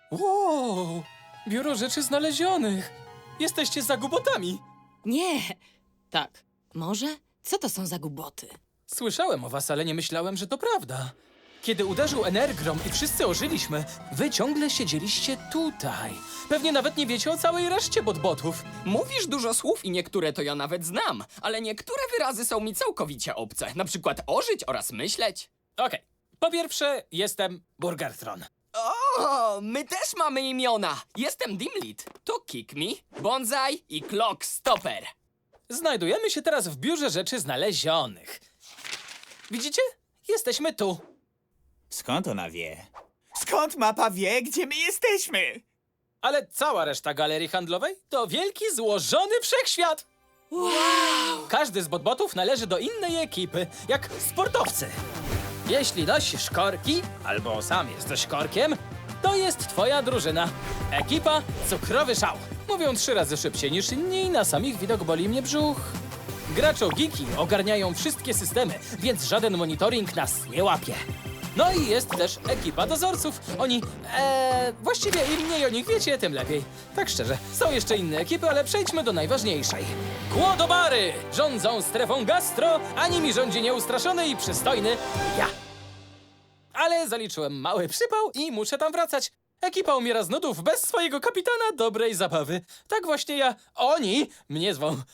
Wow! Biuro Rzeczy Znalezionych! Jesteście zagubotami! Nie. Tak. Może? Co to są za głupoty? Słyszałem o was, ale nie myślałem, że to prawda. Kiedy uderzył Energrom i wszyscy ożyliśmy, wy ciągle siedzieliście tutaj. Pewnie nawet nie wiecie o całej reszcie botbotów. Mówisz dużo słów i niektóre to ja nawet znam, ale niektóre wyrazy są mi całkowicie obce. Na przykład ożyć oraz myśleć. Okej. Po pierwsze, jestem Burgertron. O, my też mamy imiona. Jestem Dimlit. To Kick Me, Bonsai i Clock Stopper. Znajdujemy się teraz w Biurze Rzeczy Znalezionych. Widzicie? Jesteśmy tu. Skąd ona wie? Skąd mapa wie, gdzie my jesteśmy? Ale cała reszta galerii handlowej to wielki, złożony wszechświat. Wow! Każdy z botbotów należy do innej ekipy, jak sportowcy. Jeśli nosisz korki, albo sam jesteś korkiem, to jest twoja drużyna. Ekipa Cukrowy Szał. Mówią 3 razy szybciej niż inni i na samych widok boli mnie brzuch. Graczo-geeki ogarniają wszystkie systemy, więc żaden monitoring nas nie łapie. No i jest też ekipa dozorców. Oni, właściwie im mniej o nich wiecie, tym lepiej. Tak szczerze, są jeszcze inne ekipy, ale przejdźmy do najważniejszej. Głodobary rządzą strefą gastro, a nimi rządzi nieustraszony i przystojny ja. Ale zaliczyłem mały przypał i muszę tam wracać. Ekipa umiera z nudów bez swojego kapitana dobrej zabawy. Tak właśnie oni mnie zwą.